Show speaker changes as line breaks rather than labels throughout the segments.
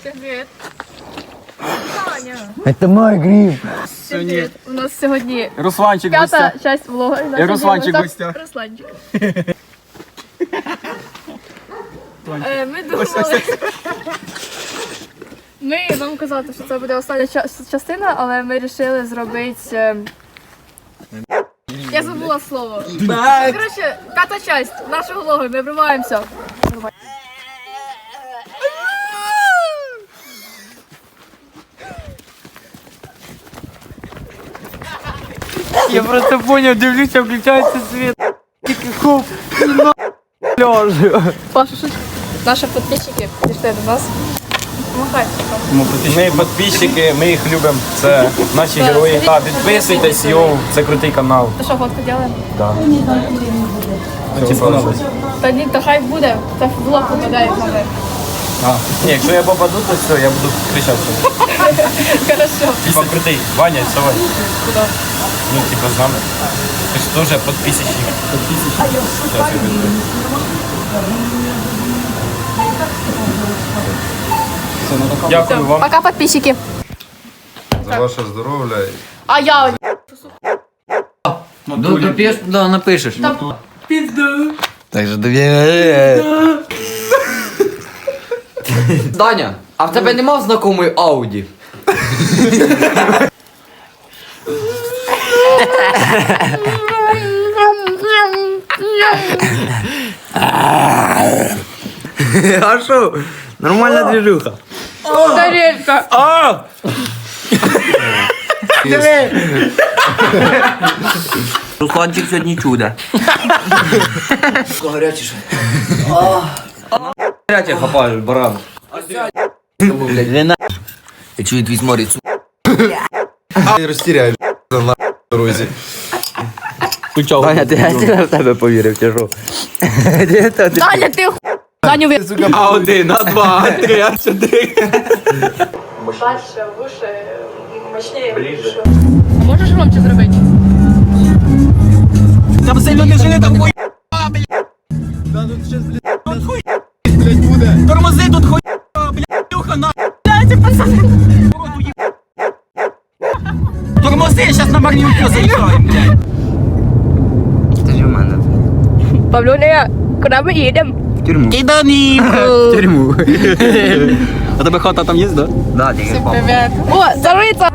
Привіт. Таня.
Это мой гриб.
Привіт. У нас сьогодні
Русланчик в
п'ята
гостях.
часть влога.
І Русланчик в гостях.
Русланчик. Ми думали... Ми вам казали, що це буде остання частина, але ми вирішили зробити... Я забула слово. Коротше, п'ята часть нашого влогу, ми вриваємося.
Я просто понял, дивлюся, включається світ. Тільки хоп, і на ляжу.
Паша, що наші підписчики прийшли до нас. Помагайте.
Ми підписчики, ми їх любимо. Це наші герої. Та, підписуйтесь, йоу, це крутий канал.
То що, фотку робимо?
Да. Ну, типа,
Та ні, то хай буде. Це в влог попадає в мене.
ні, якщо я попаду, то все, я буду кричати.
Хорошо.
Типа крутий. Ваня, вставай.
Куди?
Ну, типа з нами. Ти ж теж підписчик. Сейчас я візьму. Дякую вам.
Пока, подписчики.
За ваше здоров'я.
А я...
Ну, доп'єш, да, напишеш.
Пізду.
Так же довіряє. Даня, а в тебе нема знакомої Ауді? А що? Нормальна движуха.
Тарелька.
Русланчик сьогодні чудо. Гарячіше. Гаряче хапаєш, баран. Я чую твій сморід.
Розтіряєш на дорозі.
Даня, ти в тебе повірив, чи що?
Даня, ти ху... Даню ви...
А1, А2, А3, А4.
Дальше, выше, мощнее. Ближе. А можеш громче зробити?
Там сильно не жили, там хуй. Тормози тут хуй, блядь, Люха, на. Дайте, пацани. Тормози, я щас на магнітку заїжджаю, блядь.
Це ж у мене.
Павлюня, куди ми їдемо?
В тюрму.
Киданівку.
В тюрму.
А тебе хата там є, да?
Да, тільки папа.
Привет. О, царица!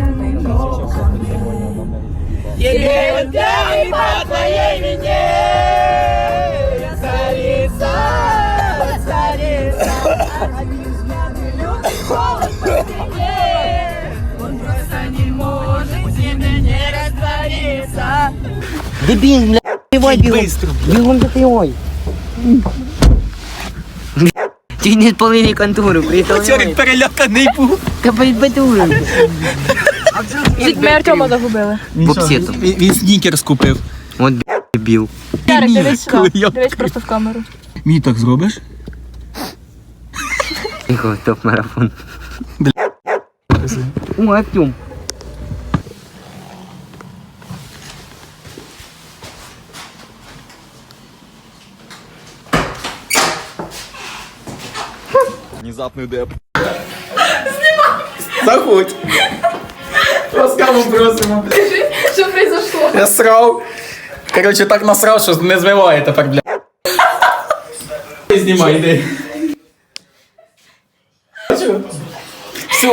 Дебіл, бля, бігай бігом. Бігом допивай. Ти не спалили контору,
Чорик переляканий був.
Та подбатурим.
Чуть ми Артема загубили.
Попсетом.
Він снікерс купив.
От дебіл.
Ярик, дивись сюди.
я-
Дивись просто в камеру.
Мій так зробиш?
Тихо, топ-марафон. О, Артем.
Внезапний деп.
Заходь. Ласкаво просимо.
Що произошло?
Я срав. Короче, так насрав, що не змиває тепер, бля. Знімай, йди. Все.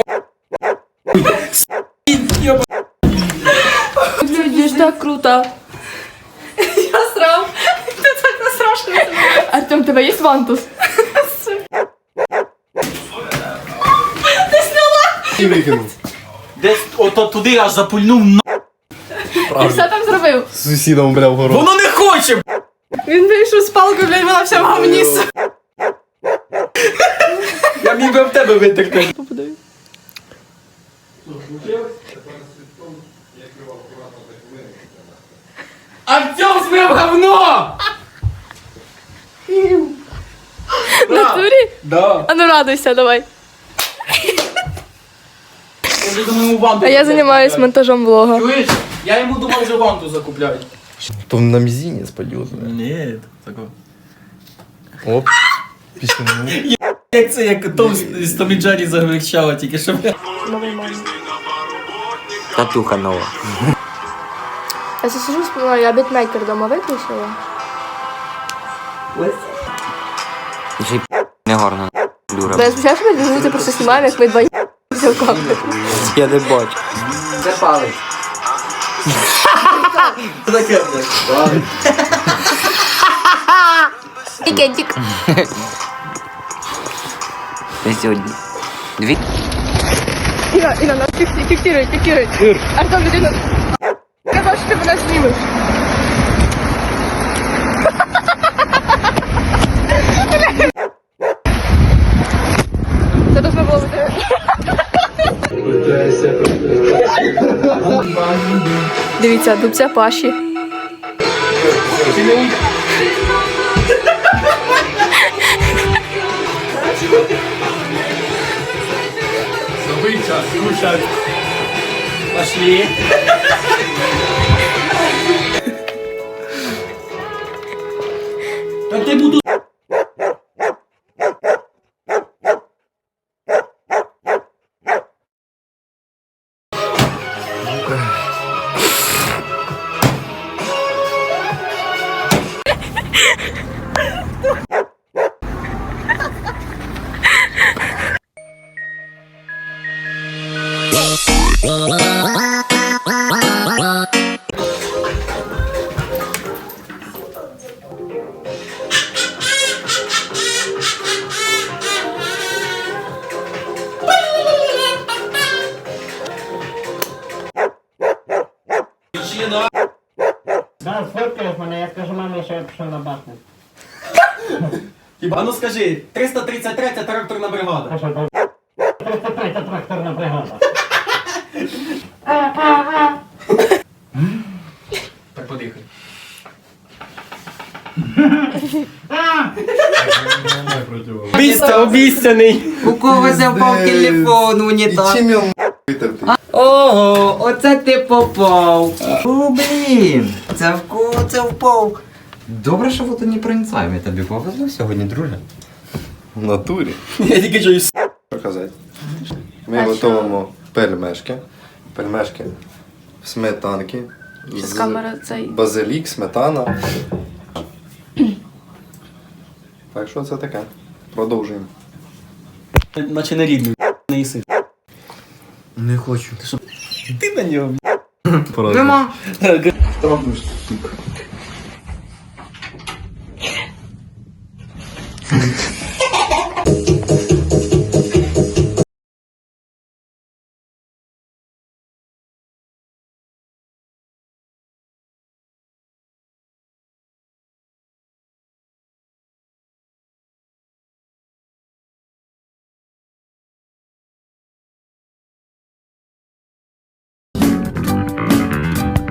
Люди, ж так круто. Я срав. Ти так насрав. Артем, у тебе є вантус?
І викинув.
Десь ото туди аж запульнув на.
І все там зробив?
З сусідом, бля, в город.
Воно не хоче!
Він вийшов з палкою, блядь, вона вся в говні.
Я міг би в тебе витерти. Артем змив говно!
В натурі?
Да.
А ну радуйся, давай.
Я вже думаю, ванту.
А я займаюсь монтажом влога.
Чуєш? Я йому думав, вже ванту закупляють.
То на мізинець пойдет, бля.
Ні, такого.
Оп. Пісню.
Як це, як Том з Томі Джері загречала, тільки що.
Новий мамі.
Татуха нова.
Я це сижу, вспоминаю, я бітмейкер дома виключила.
І ще й не гарно. Дура.
Я спочатку що ми дивимося, просто знімаємо, як ми два все в камеру.
Я не бачу.
Це палець.
Таке, блядь.
Тікентик.
Ти сьогодні. Дві.
Іра, нас фіксирують. Артем, людина. Казав, що ти мене знімеш. Це должно було бути. Дивіться, дубця Паші.
Новий час, рушать. Пошли. Та ти буду...
Да, сфоткаєш мене, я скажу мамі, що я пішов на башню.
Хіба, ну скажи, 333 тракторна бригада.
Що, 33 тракторна бригада.
Так, подихай.
Обіцяний. У когось впав телефон в
І
унітаз.
чим його витерти?
Ого, оце ти попав. О, блін. Це впав. Добре, що ви тут не проницаємо. Тобі повезло сьогодні, друже.
В натурі.
Я тільки чуюсь.
Показати. Ми готуємо пельмешки. Пельмешки в сметанки.
Щас камера цей.
Базилік, сметана. Так що це таке? Продовжуємо.
Наче не рідний, не їси.
Не хочу.
Ти на нього.
Нема.
Трохи